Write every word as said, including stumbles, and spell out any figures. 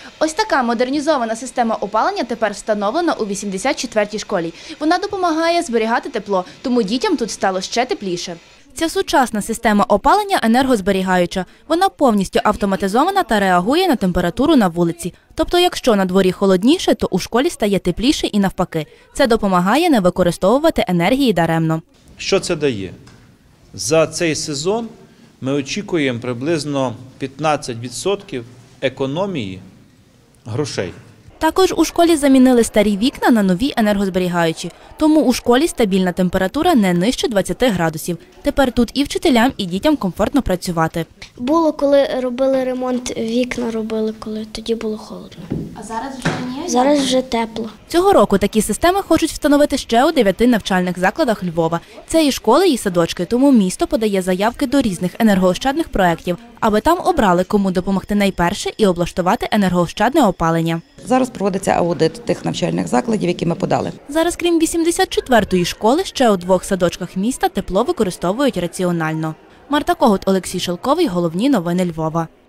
Ось така модернізована система опалення тепер встановлена у вісімдесят четвертій школі. Вона допомагає зберігати тепло, тому дітям тут стало ще тепліше. Ця сучасна система опалення енергозберігаюча. Вона повністю автоматизована та реагує на температуру на вулиці. Тобто, якщо на дворі холодніше, то у школі стає тепліше і навпаки. Це допомагає не використовувати енергії даремно. Що це дає? За цей сезон ми очікуємо приблизно п'ятнадцять відсотків економії грошей. Також у школі замінили старі вікна на нові енергозберігаючі. Тому у школі стабільна температура не нижче двадцяти градусів. Тепер тут і вчителям, і дітям комфортно працювати. Було, коли робили ремонт, вікна робили, коли тоді було холодно. А зараз вже ні? Зараз вже тепло. Цього року такі системи хочуть встановити ще у дев'яти навчальних закладах Львова. Це і школи, і садочки, тому місто подає заявки до різних енергоощадних проєктів, аби там обрали, кому допомогти найперше і облаштувати енергоощадне опалення. Зараз проводиться аудит тих навчальних закладів, які ми подали. Зараз, крім вісімдесят четвертої школи, ще у двох садочках міста тепло використовують раціонально. Марта Когут, Олексій Шелковий. Головні новини Львова.